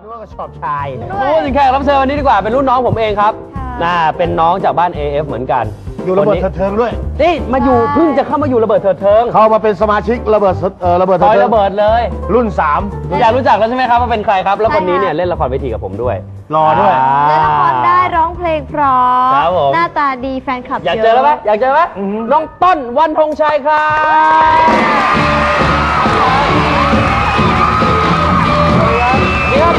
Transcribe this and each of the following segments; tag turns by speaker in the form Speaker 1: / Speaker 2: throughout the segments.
Speaker 1: แล้วก็ชอบชาย
Speaker 2: พูดถึงแขกรับเชิญวันนี้ดีกว่าเป็นรุ่นน้องผมเองครับเป็นน้องจากบ้าน AF เหมือนกัน
Speaker 1: อยู่ระเบิดเถิงด้วย
Speaker 2: นี่มาอยู่เพิ่งจะเข้ามาอยู่ระเบิดเถิง
Speaker 1: เข้ามาเป็นสมาชิกระเบิดเถิง
Speaker 2: ระเบิดเลย
Speaker 1: รุ่น3
Speaker 2: อยากรู้จักแล้วใช่ไหมครับว่าเป็นใครครับแล้วคนนี้เนี่ยเล่นละครเวทีกับผมด้วย
Speaker 1: รอด้วย
Speaker 3: เล่นละครได้ร้องเพลงเพราะหน้าตาดีแฟนคลับเยอะ
Speaker 2: อยากเจอแล้วไหมอยากเจอไหมน้องต้นวันธงชัยครับนี่ครับ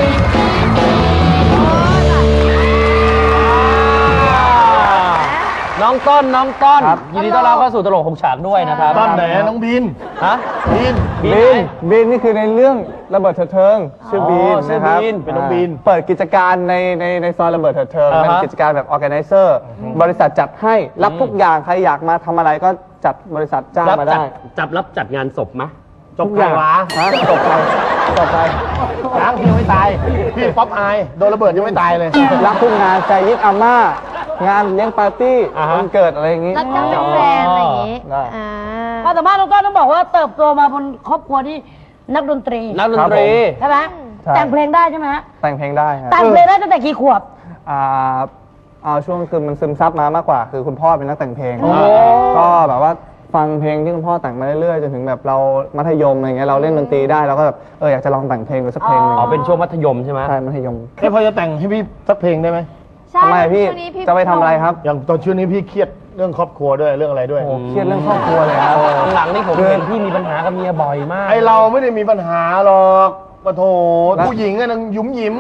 Speaker 2: น้องต้นยินดีต้อนรับเข้าสู่ตลกหกฉากด้วยนะครับ
Speaker 1: ต้นไหนน้องบิน
Speaker 2: ฮะ
Speaker 4: บินนี่คือในเรื่องระเบิดเถิดเทิงชื่อบินนะครับ
Speaker 1: เป็นน้องบิน
Speaker 4: เปิดกิจการในซอยระเบิดเถิดเทิงเป็นกิจการแบบออร์แกไนเซอร์บริษัทจัดให้รับทุกอย่างใครอยากมาทำอะไรก็จัดบริษัทจ้างมาได้
Speaker 2: รับจัดงานศพไหม
Speaker 1: จบใครวะ
Speaker 4: จบไป
Speaker 1: ช้างยังไม่ตายพี่ป๊อปอายโดนระเบิดยังไม่ตายเลย
Speaker 4: รับทุกงานใจยิดอาม่างานเลี้ยงปาร์ตี้วันเกิดอะไรอย่างงี้
Speaker 3: รับจ้างเป็นแฟนอะไรอย่างงี้
Speaker 5: ความสามารถน้องต้นต้องบอกว่าเติบโตมาบนครอบครัวที่นักดนตรีใช่ไหมแต่งเพลงได้ใช่ไหมฮะ
Speaker 4: แต่งเพลงได้ครับ
Speaker 5: แต่งเพลงได้ตั้งแต่กี่ขวบ
Speaker 4: ช่วงคือมันซึมซับมามากกว่าคือคุณพ่อเป็นนักแต่งเพลงก็แบบว่าฟังเพลงที่คุณพ่อแต่งมาเรื่อยๆจนถึงแบบเรามัธยมอะไรเงี้ยเราเล่นดนตรีได้เราก็แบบอยากจะลองแต่งเพลงดูสักเพลงนึง
Speaker 2: เป็นช่วงมัธยมใช่ไหม
Speaker 4: ใช่มัธยม
Speaker 1: พอจะแต่งให้พี่สักเพลงได้ไหม
Speaker 4: ทำไมพี่จะไปทำอะไรครับ
Speaker 1: อย่างตอนช่วงนี้พี่เครียดเรื่องครอบครัวด้วยเรื่องอะไรด้วย
Speaker 4: เครียดเรื่องครอบครัวเลยครับ
Speaker 2: หลังนี่ผมเห็นพี่มีปัญหากับเมียบ่อยมาก
Speaker 1: ไอเราไม่ได้มีปัญหาหรอกปะโถผู้หญิงอะนางยุ่มยิ้ม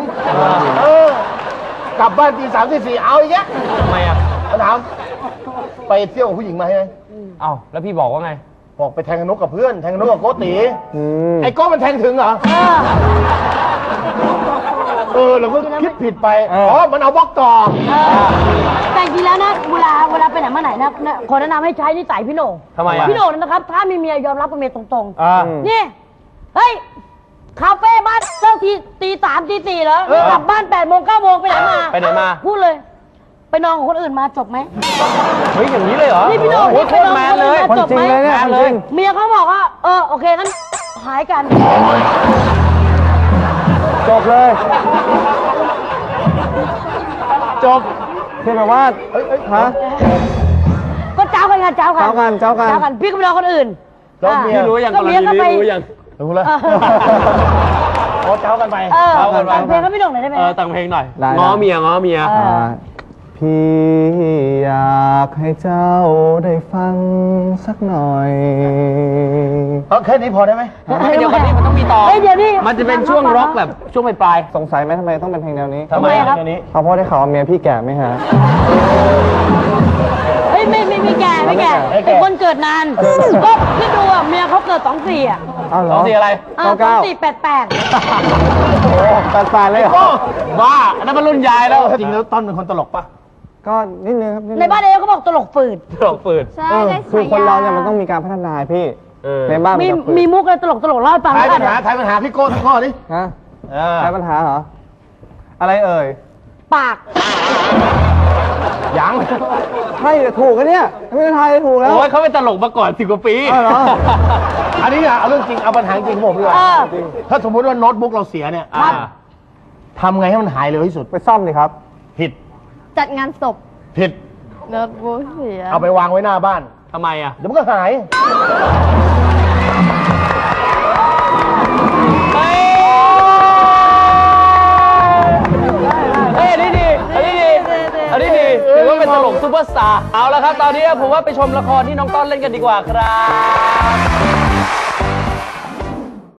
Speaker 1: กลับบ้านตี 3 ตี 4เอาอีกแล้ว
Speaker 2: ทำไมอ่ะ
Speaker 1: ถามไปเที่ยวกับผู้หญิงมาใช่ไหม
Speaker 2: แล้วพี่บอกว่าไง
Speaker 1: บอกไปแทงนกกับเพื่อนแทงนกกับโกติไอ้โก้มันแทงถึงเหรอเราก็คิดผิดไปมันเอาบล็อกต่อ
Speaker 5: แต่จริงแล้วนะเวลาไปไหนมาไหนนะขอแนะนำให้ใช้นิสัยพี่โหน่ง
Speaker 2: ทำไม
Speaker 5: พี่โหน่งนะครับถ้ามีเมียยอมรับกับเมียตรงๆนี่เฮ้ยคาเฟ่บ้านเลิกตี 3 ตี 4แล้วกลับบ้าน 8 โมง 9 โมงไปไหนมาพูดเลยไปนอนกับคนอื่นมาจบไหม
Speaker 2: เฮ้ยอย่างนี้เลยเหรอ
Speaker 5: นี่พี่โหน่ง
Speaker 2: โคตรแมนเลย
Speaker 5: จบไหมเมียเขาบอกว่าโอเคงั้นหายกัน
Speaker 4: จบเลย
Speaker 1: จบ
Speaker 4: คือแบบว่า
Speaker 5: ก็เจ้ากันพี่ก็ไปนอนคนอื่น
Speaker 2: พี่รู้ยังก็เมียก็ไป
Speaker 1: รู้แล้วเจ้ากันไป
Speaker 5: แต่งเพลงก็ไม่โด่งเลยได้ไหม
Speaker 2: แต่งเพลงหน่อยง้อเมีย
Speaker 4: พี่อยากให้เจ้าได้ฟังสักหน่อย
Speaker 1: แค่นี้พอได้ไหม
Speaker 2: เดี๋ยวนี้มันต้องมีต่อมันจะเป็นช่วงร็อกแบบช่วงปลาย
Speaker 4: สงสัยไหมทำไมต้องเป็นเพลงแนวนี้
Speaker 2: ทำไมครับ
Speaker 4: เพราะได้ข่าวเมียพี่แก่ไหมฮะ
Speaker 5: ไม่แก่เป็นคนเกิดนานก็ที่ดูเมียเขาเกิด24
Speaker 2: 24อะไร
Speaker 5: 2488
Speaker 4: โอ้88เลยเหรอ
Speaker 2: บ้าอันนั้นมันรุ่นยายแล้ว
Speaker 1: จริงแล้วต้นเป็นคนตลกปะ
Speaker 4: ก็นิดนึงครับ
Speaker 5: ในบ้านเขาบอกตลกฝืด
Speaker 3: ใช่
Speaker 4: คือคนเราเนี่ยมันต้องมีการพัฒนาพี่ในบ้าน
Speaker 5: มีมุกอะไรตลกเล่าให้ฟัง
Speaker 1: ทายปัญหาพี่โก้ทั้งข้อนี้
Speaker 4: ทายปัญหาเหรออะไรเอ่ย
Speaker 5: ปาก
Speaker 1: ยัง
Speaker 4: ใช่ถูกกันเนี่ยไม่ได้ทายถูกแล้ว
Speaker 2: โอ้ยเขาเป็นตลกมาก่อน10 กว่าปี
Speaker 1: อันนี้เอาเรื่องจริงเอาปัญหาจริงผมเลยถ้าสมมติว่าโน้ตบุ๊กเราเสียเนี่ยทำไงให้มันหายเร็วที่สุด
Speaker 4: ไปซ่อมดิครับ
Speaker 1: ผิด
Speaker 3: จัดงานศพ
Speaker 1: ผิด
Speaker 3: โน้ตบุ๊กเสีย
Speaker 1: เอาไปวางไว้หน้าบ้าน
Speaker 2: ทำไมอ่ะ
Speaker 1: เดี๋ยวมันก็หาย
Speaker 2: อันนี้ดีถือว่าเป็นตลกซุปเปอร์สตาร์เอาละครับตอนนี้ผมว่าไปชมละครที่น้องต้นเล่นกันดีกว่าครับ